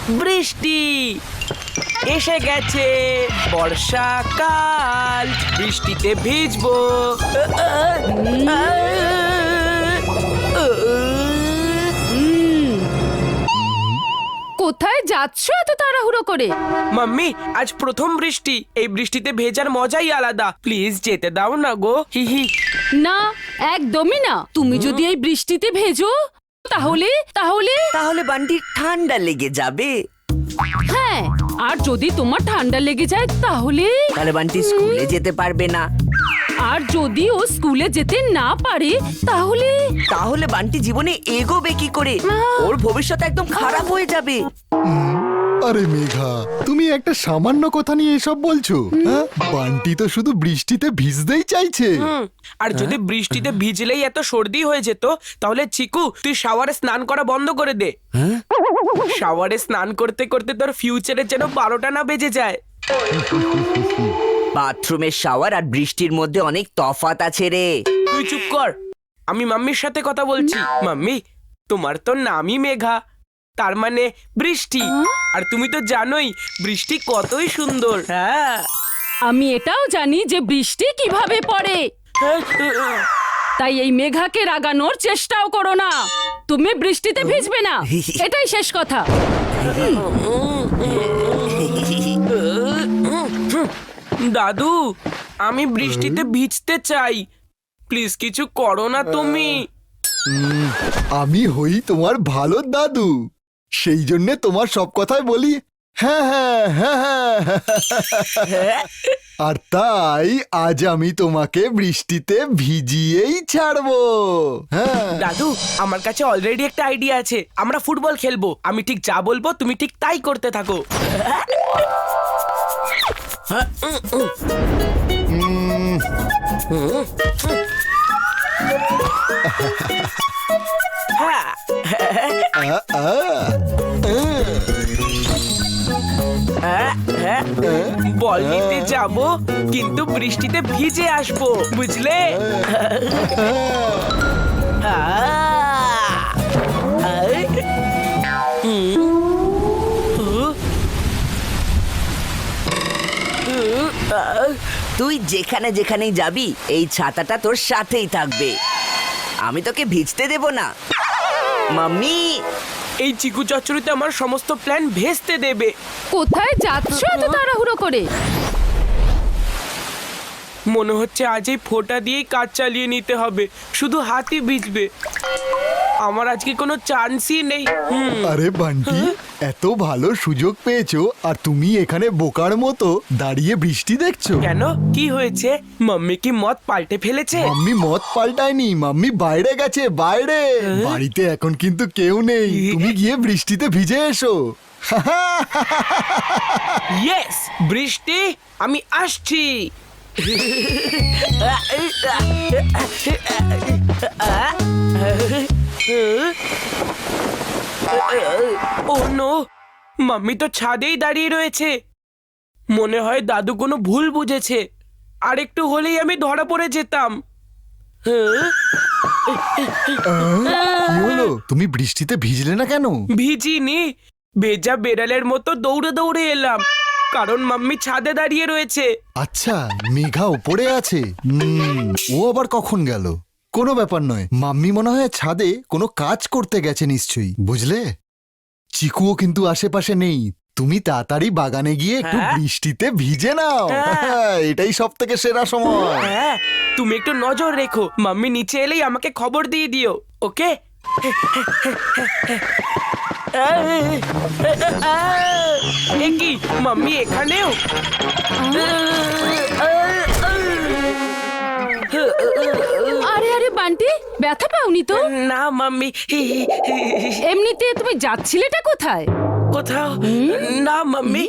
বৃষ্টি এসে গেছে, বর্ষাকাল, বৃষ্টিতে ভিজবো। কোথায় যাচ্ছ এত তাড়াহুড়ো করে? মাম্মি, আজ প্রথম বৃষ্টি, এই বৃষ্টিতে ভেজার মজাই আলাদা। প্লিজ যেতে দাও না গো। হি হি। না, একদমই না। তুমি যদি এই বৃষ্টিতে ভেজো তাহলে তাহলে তাহলে বান্টির ঠান্ডা লেগে যাবে। হ্যাঁ, আর যদি তোমার ঠান্ডা লেগে যায় তাহলে তাহলে বান্টি স্কুলে যেতে পারবে না। আর যদি ও স্কুলে যেতে না পারে তাহলে তাহলে বান্টি জীবনে এগোবে কি করে? ওর ভবিষ্যৎ একদম খারাপ হয়ে যাবে। আরে মেঘা, তুমি একটা সামান্য কথা নিয়ে এসব বলছো? হ্যাঁ, বান্টি তো শুধু বৃষ্টিতে ভিজতেই চাইছে। আর যদি বৃষ্টিতে ভিজলেই এত সর্দি হয়ে যেত, তাহলে চিকু তুই শাওয়ারে স্নান করা বন্ধ করে দে। শাওয়ারে স্নান করতে করতে তোর ফিউচারে যেন 12টা না বেজে যায়। বাথরুমের শাওয়ার আর বৃষ্টির মধ্যে অনেক তফাৎ আছে রে। তুই চুপ কর, আমি মাম্মির সাথে কথা বলছি। মাম্মি, তোমার তো নামই মেঘা, তার মানে বৃষ্টি। আর তুমি তো জানোই বৃষ্টি কতই সুন্দর। হ্যাঁ, আমি এটাও জানি যে বৃষ্টি কিভাবে পড়ে। তাই এই মেঘাকে রাগানোর চেষ্টাও করো না। তুমি বৃষ্টিতে ভিজবে না, এটাই শেষ কথা। দাদু, আমি বৃষ্টিতে ভিজতে চাই, প্লিজ কিছু করো না তুমি। আমি হই তোমার ভালো দাদু, সেই জন্যে তোমার সব কথাই বলি হ্যাঁ হ্যাঁ হ্যাঁ হ্যাঁ। আর তাই আজ আমি তোমাকে বৃষ্টিতে ভিজিয়েই ছাড়বো। হ্যাঁ, দাদু, আমার কাছে অলরেডি একটা আইডিয়া আছে। আমরা ফুটবল খেলবো, আমি ঠিক যা বলবো তুমি ঠিক তাই করতে থাকো। বল নিতে যাবো, কিন্তু বৃষ্টিতে ভিজে আসবো, বুঝলে? তুই যেখানে যেখানেই যাবি এই ছাতাটা তোর সাথেই থাকবে। আমি তোকে ভিজতে দেব না। মাম্মি, এই চিকু চচ্চড়িতে আমার সমস্ত প্ল্যান ভেস্তে দেবে। কোথায় যাচ্ছ এত তাড়াহুড়ো করে? মনে হচ্ছে আজ এই ফোঁটা দিয়েই কাজ চালিয়ে নিতে হবে, শুধু হাতই ভিজবে। আমার আজকে কোনো চান্সই নেই। আরে বান্টি, এত ভালো সুযোগ পেয়েছো আর তুমি এখানে বোকার মতো দাঁড়িয়ে বৃষ্টি দেখছো? কেন, কি হয়েছে? মাম্মি কি মত পাল্টে ফেলেছে? মাম্মি মত পাল্টায়নি, মাম্মি বাইরে গেছে, বাইরে। বাড়িতে এখন কিন্তু কেউ নেই, তুমি গিয়ে বৃষ্টিতে ভিজে এসো। ইয়েস, বৃষ্টি, আমি আসছি। ও নো, মাম্মি তো ছাদেই দাঁড়িয়ে রয়েছে। মনে হয় দাদু কোনো ভুল বুঝেছে, আর একটু হলেই আমি ধরা পড়ে যেতাম। কি হলো, তুমি বৃষ্টিতে ভিজলে না কেন? ভিজিনি, ভেজা বেড়ালের মতো দৌড়ে দৌড়ে এলাম, কারণ মাম্মি ছাদে দাঁড়িয়ে রয়েছে। আচ্ছা, মেঘা উপরে আছে। ও আবার কখন গেল? কোনো ব্যাপার নয়, মাম্মি মনে হয় ছাদে কোনো কাজ করতে গেছে নিশ্চয়ই, বুঝলে? চিকুও কিন্তু আশেপাশে নেই, তুমি তাড়াতাড়ি বাগানে গিয়ে একটু বৃষ্টিতে ভিজে নাও। এটাই সব থেকে সেরা সময়। হ্যাঁ, তুমি একটু নজর রেখো, মাম্মি নিচে এলেই আমাকে খবর দিয়ে দিও, ওকে? এ কি, মাম্মি এখানেও? আরে আরে বান্টি, ব্যথা পাওনি তো? না মাম্মি, এমনিতে তুমি যাচ্ছিলেটা কোথায়? কোথাও না মাম্মি।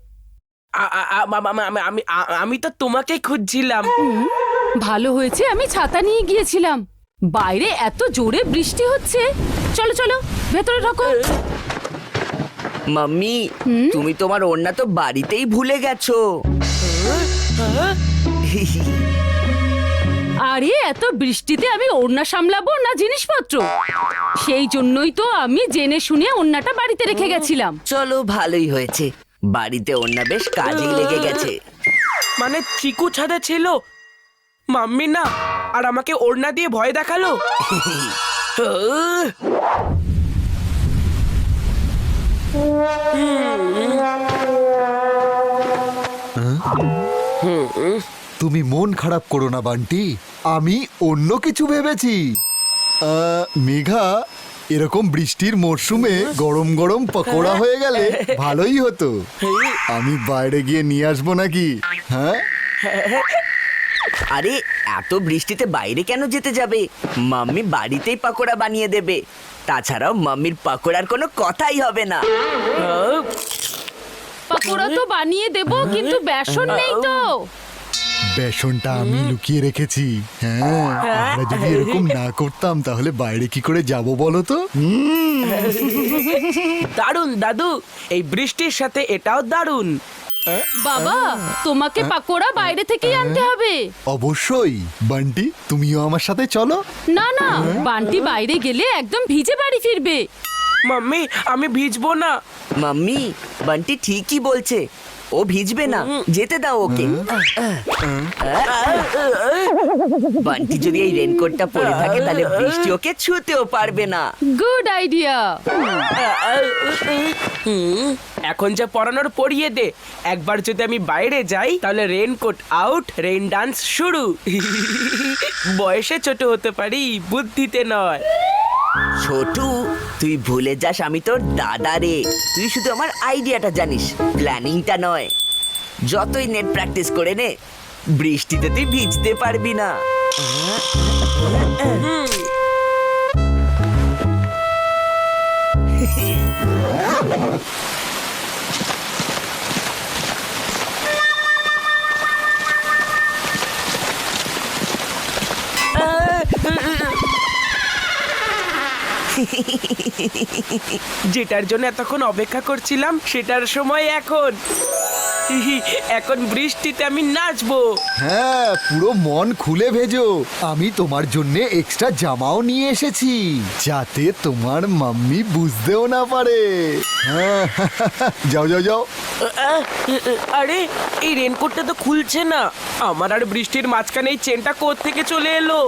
আমি তো তোমাকে খুঁজছিলাম। ভালো হয়েছে আমি ছাতা নিয়ে গিয়েছিলাম, বাইরে এত জোরে বৃষ্টি হচ্ছে। চলো চলো ভেতরে ঢোকো। মাম্মি, তুমি তোমার ওড়না তো বাড়িতেই ভুলে গেছো। আর আরে এত বৃষ্টিতে আমি ওড়না সামলাবো না জিনিসপত্র, সেই জন্যই তো আমি জেনে শুনে ওড়নাটা বাড়িতে রেখে গেছিলাম। চলো ভালোই হয়েছে, বাড়িতে ওড়না বেশ কাজেই লেগে গেছে। মানে চিকু ছাদে ছিল, মাম্মি না আর আমাকে ওড়না দিয়ে ভয় দেখালো। তুমি মন খারাপ করো না বান্টি, আমি অন্য কিছু ভেবেছি। মেঘা, এরকম বৃষ্টির মরশুমে গরম গরম পকোড়া হয়ে গেলে ভালোই হতো। আমি বাইরে গিয়ে নিয়ে আসবো নাকি? হ্যাঁ, আরে এত বৃষ্টিতে বাইরে কেন যেতে যাবে? মাম্মি বাড়িতেই পাকোড়া বানিয়ে দেবে। তাছাড়াও মাম্মির পাকোড়ার কোনো কথাই হবে না। পাকোড়া তো বানিয়ে দেবো, কিন্তু বেসন নেই তো। বেসনটা আমি লুকিয়ে রেখেছি। হ্যাঁ, আমরা যদি এরকম না করতাম তাহলে বাইরে কি করে যাব বলো তো? দারুণ দাদু, এই বৃষ্টির সাথে এটাও দারুণ। বাবা, তোমাকে পাকোড়া বাইরে থেকেই আনতে হবে। অবশ্যই বান্টি, তুমিও আমার সাথে চলো। না না, বান্টি বাইরে গেলে একদম ভিজে বাড়ি ফিরবে। মাম্মি, আমি ভিজবো না। মাম্মি, বান্টি ঠিকই বলছে, ও ভিজবে না, যেতে দাও ওকে। বান্টি যদি এই রেনকোটটা পরে থাকে তাহলে বৃষ্টি ওকে ছুঁতেও পারবে না। Good idea. এখন যা পড়ানোর পড়িয়ে দে। একবার যদি আমি বাইরে যাই তাহলে রেনকোট আউট, রেইন ডান্স শুরু। বয়সে ছোট হতে পারি, বুদ্ধিতে নয়। ছোটু, তুই ভুলে যাস আমি তোর দাদা রে। তুই শুধু আমার আইডিয়াটা জানিস, প্ল্যানিংটা নয়। যতই নেট প্র্যাকটিস করে নে, বৃষ্টিতে তুই ভিজতে পারবি না। যেটার জন্য এতক্ষণ অপেক্ষা করছিলাম সেটার সময় এখন। এখন বৃষ্টিতে আমি নাচবো। হ্যাঁ, পুরো মন খুলে ভেজো। আমি তোমার জন্য এক্সট্রা জামাও নিয়ে এসেছি, যাতে তোমার মাম্মি বুঝতেও না পারে। হ্যাঁ, যাও যাও যাও। আরে, এই রেনকোটটা তো খুলছে না। আমার আর বৃষ্টির মাঝখানে এই চেনটা কোত্থেকে চলে এলো?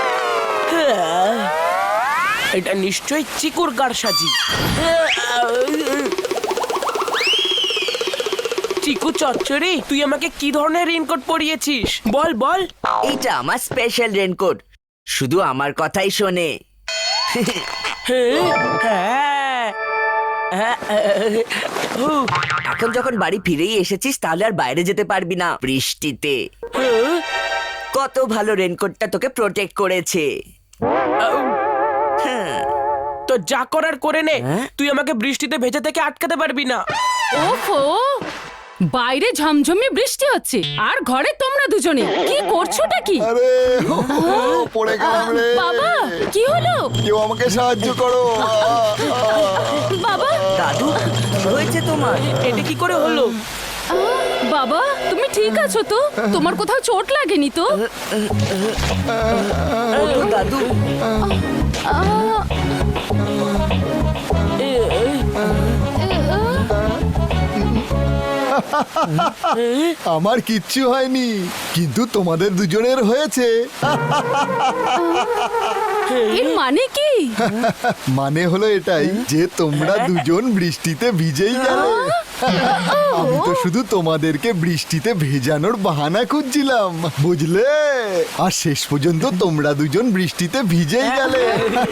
এটা নিশ্চয়ই চিকুর কারসাজি। চিকু চচ্চড়ি, তুই আমাকে কি ধরনের রেনকোট পরিয়েছিস? বল বল। এইটা আমার স্পেশাল রেনকোট, শুধু আমার কথাই শোনে। এখন যখন বাড়ি ফিরেই এসেছিস তাহলে আর বাইরে যেতে পারবি না বৃষ্টিতে। কত ভালো রেনকোটটা তোকে প্রোটেক্ট করেছে। তো যা করার করে নে, তুই আমাকে বৃষ্টিতে ভেজা থেকে আটকাতে পারবি না। ওফো, বাইরে ঝমঝমে বৃষ্টি হচ্ছে আর ঘরে তোমরা দুজনে কি করছোটা কি? আরে, পড়ে গেলাম রে। বাবা, কি হলো? কেউ আমাকে সাহায্য করো। বাবা, দাদু, কি হয়েছে তোমার? এটা কি করে হলো? বাবা, তুমি ঠিক আছো তো? তোমার কোথাও চোট লাগেনি তো? ওঠো দাদু। আমার কিচ্ছু হয়নি, কিন্তু তোমাদের দুজনের হয়েছে। এর মানে কি? মানে হলো এটাই যে তোমরা দুজন বৃষ্টিতে ভিজেই গেলে। আমি তো শুধু তোমাদেরকে বৃষ্টিতে ভেজানোর বাহানা খুঁজছিলাম, বুঝলে? আর শেষ পর্যন্ত তোমরা দুজন বৃষ্টিতে ভিজেই গেলে।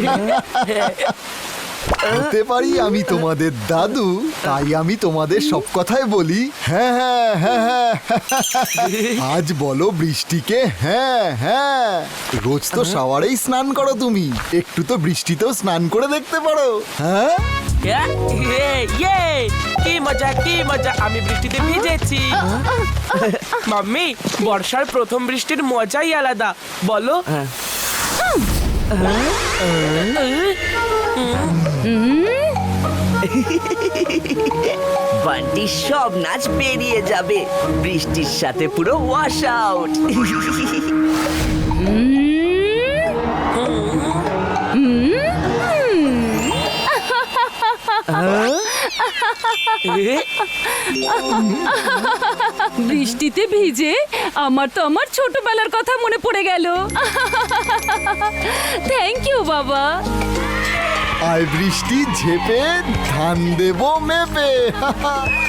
হতে পারি আমি তোমাদের দাদু, তাই আমি তোমাদের সব কথাই বলি। হ্যাঁ হ্যাঁ হ্যাঁ হ্যাঁ। আজ বলো বৃষ্টিকে হ্যাঁ হ্যাঁ। রোজ তো শাওয়ারেই স্নান করো তুমি, একটু তো বৃষ্টিতেও স্নান করে দেখতে পারো। হ্যাঁ, কি মজা কি মজা, আমি বৃষ্টিতে ভিজেছি। মাম্মি, বর্ষার প্রথম বৃষ্টির মজাই আলাদা, বলো? বান্টির সব নাচ বেরিয়ে যাবে বৃষ্টির সাথে, পুরো ওয়াশ আউট। বৃষ্টিতে ভিজে আমার তো আমার ছোটবেলার কথা মনে পড়ে গেল। থ্যাংক ইউ বাবা। আয় বৃষ্টি ঝেপে ধান দেবো মেপে